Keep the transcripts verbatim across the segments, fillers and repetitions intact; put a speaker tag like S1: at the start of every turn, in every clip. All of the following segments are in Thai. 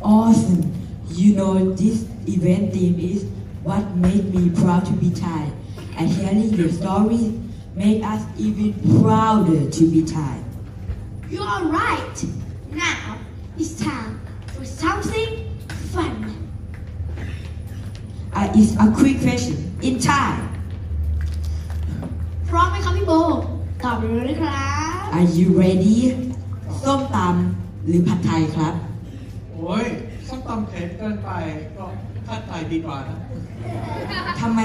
S1: Awesome. You know this event theme is what made me proud to be Thai. And hearing your stories made us even prouder to be Thai.
S2: You are right. Now it's time for something fun.
S1: Uh, it's a quick question in Thai.
S2: พร้อมไหมครับพี่โบตอบเลยนะครับ
S1: Are you ready? ส้มตำหรือผัดไทยครับ
S3: โอ้ยส้มตำเผ็ดเกินไปก็ผัดไทยดีกว่านะ
S1: ทำไม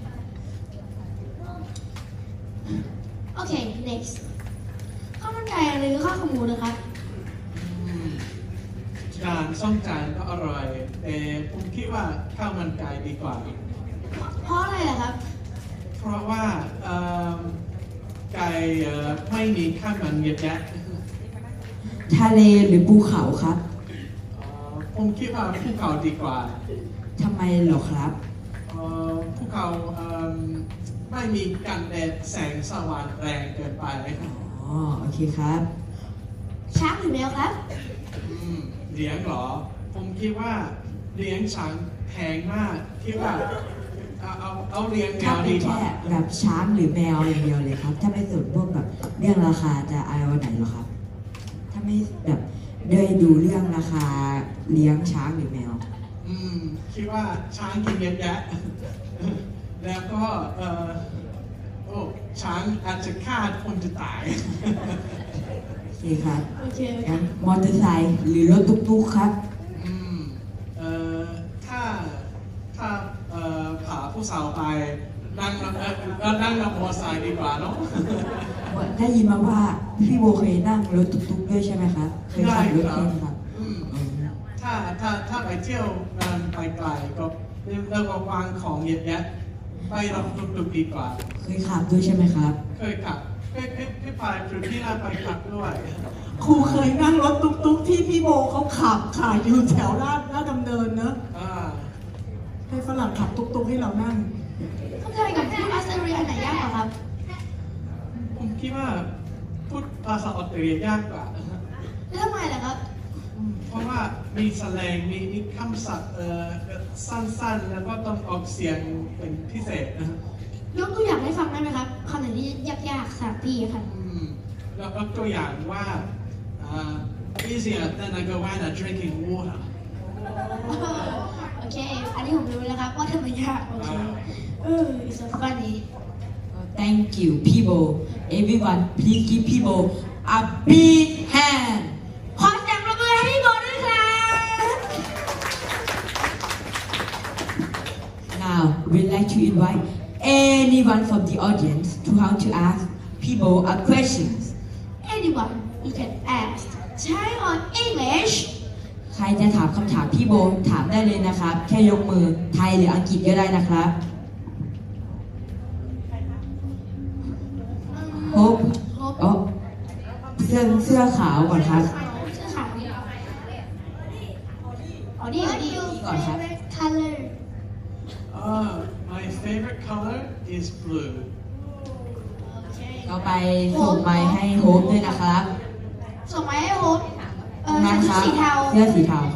S2: โอเค next ข้าวมันไก่หรือข้าวขาหมูนะครับ
S3: อืมจานส้มจานก็อร่อยแต่ผมคิดว่าข้าวมันไก่ดีกว่า
S2: เพราะอะไรล่ะครับ
S3: เพราะว่าเอิ่มไก่เอ่อไม่มีข้าวมันเยอะแยะ
S1: ทะเลหรือภูเขาครับ
S3: เอ่อผมคิดว่าภูเขาดีกว่า
S1: ทำไมเหรอครับ
S3: เอ่อภูเขาเอิ่มไม่มีกันแดดแสงสว่างแรงเกินไป
S1: อ๋อ โอเคครับ
S2: ช้างหรือแมวครับ
S3: อืมเลี้ยงเหรอ ผมคิดว่าเลี้ยงช้างแพงมากคิดว่าเอาเอาเอาเลี้ยงแม
S1: ถ้าว เป็
S3: ดี
S1: น
S3: กว่า
S1: แค่แบบช้างหรือแมวอย่างเดียวเลยครับ ถ้าไม่สนพวกแบบเรื่องราคาจะเอาวันไหนเหรอครับ ถ้าไม่แบบได้ดูเรื่องราคาเลี้ยงช้างหรือแมว
S3: อืมคิดว่าช้างกินเยอะแยะ แล้วก็เออโอ้ช้างอาจจะฆ่าคนจะตาย
S1: โอเคครับ
S2: โอเค
S1: งั้นมอเตอร์ไซค์หรือรถตุ๊กๆครับ
S3: อืมเอ่อถ้าถ้าเอ่อพาผู้สาวไปนั่งเอ่อเอ่อนั่งรถมอเตอร์ไซค์ดีกว่าเนาะ
S1: ได้ยินมาว่าพี่โบเคยนั่งรถตุ๊กๆด้วยใช่ไหมครับ เคยขับรถ
S3: ได้
S1: ใช่
S3: ครับ
S1: ไหมครับ
S3: อืม
S1: อืม
S3: ถ้าถ้าถ้าไปเที่ยวงานไปไกลก็เริ่มวางของเยอะแยะไปรถตุกๆดีกว่า
S1: เคยขับด้วยใช่ไหมครับ
S3: เคยขับเคยเคยเคยไปจุดที่เราไปขับด้วย
S4: ครูเคยนั่งรถตุ๊กๆที่พี่โบเขาขับค่ะอยู่แถวลาดลาดดำเนินเนอะ
S3: อ่า
S4: ให้ฝรั่งขับตุ๊กๆให้เรานั่ง
S2: เข้าใจกับพูดออสเตรเลียอันไหนยากกว่าครับ
S3: ผมคิดว่าพูดภาษาออสเตรเลียยากกว่า
S2: แล้วทำไมล่ะครับ
S3: เพราะว่ามีแสแลงมีมีคำศัพท์เอ่อสั้นๆ แล้วก็ต้องออกเสียงเป็นพิเศษนะ
S2: ยกตัวอย่างให้ฟังได้ไหมครับคำไหนที่ยากๆสำหรับพี่ครับ
S3: อืมแล้วก็ตัวอย่างว่าอ่า easier than a goanna drinking water
S2: โอเค อันนี้ผมรู้แล้วครับว่าทำไมยาก โอเค เออ it's so funny
S1: Thank you people everyone please give people a big hand
S2: ขอเสียงปรบมือให้พี่โบด้วยครับ
S1: Now we'd like to invite anyone from the audience to how to ask people a questions
S2: anyone you can ask Thai or English
S1: ใครจะถามคำถามพี่โบถามได้เลยนะครับ แค่ยกมือไทยหรืออังกฤษก็ได้นะครับ Hope อ๋อเสื้อเสื้อขาวก่อนครับ
S2: เสื้อขาวนี่อ๋อนี่อ๋อนี่
S1: ก่อนครับ
S2: color
S3: uh, my favorite color is blue
S2: โอเค
S1: เราไปส่งไม้ให้โฮปด้วยนะครับ
S2: ส่งมาให้โฮปเออ
S1: นั่น
S2: ใส่
S1: ค
S2: ชุ
S1: รั
S2: ด
S1: บ
S2: สีเทา
S1: เสื้อสีเทา